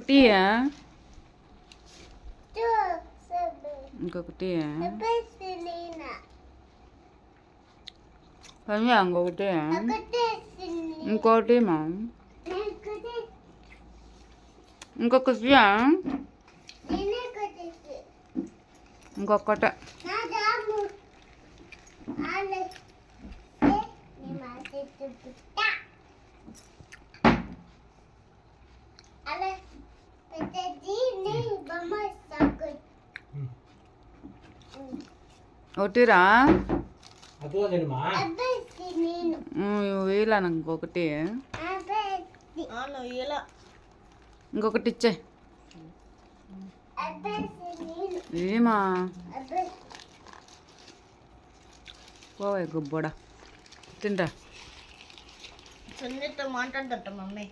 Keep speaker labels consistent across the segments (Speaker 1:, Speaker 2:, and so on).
Speaker 1: ఇంకొకటి ఇంకొకటి సంజయ్ ఇంకొకటి ఇంకోటి మా ఇంకొకటి ఇంకొకటి ఒకటిరా వేలా ఇంకొకటి ఇంకొకటి ఇచ్చే ఏమా పోవే గుబ్బోడా తింటా
Speaker 2: సున్నితో మాట్లాడదట మమ్మీ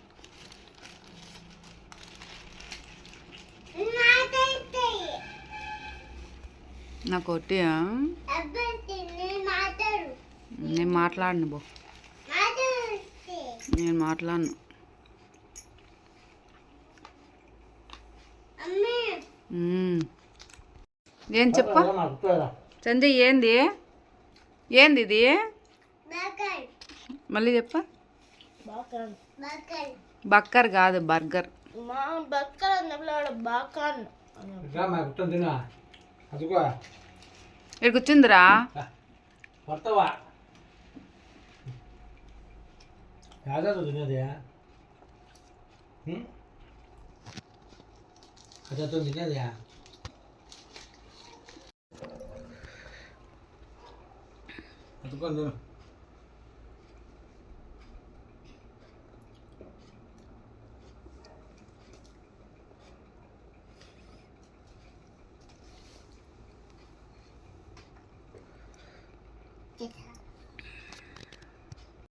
Speaker 1: నాకు ఒకటి నేను మాట్లాడను బో నేను మాట్లాడను ఏం చెప్ప సంజయ్ ఏంది ఏంది ఇది మళ్ళీ చెప్ప బక్కర్ కాదు బర్గర్ ఇక్కడ కూర్చుందిరా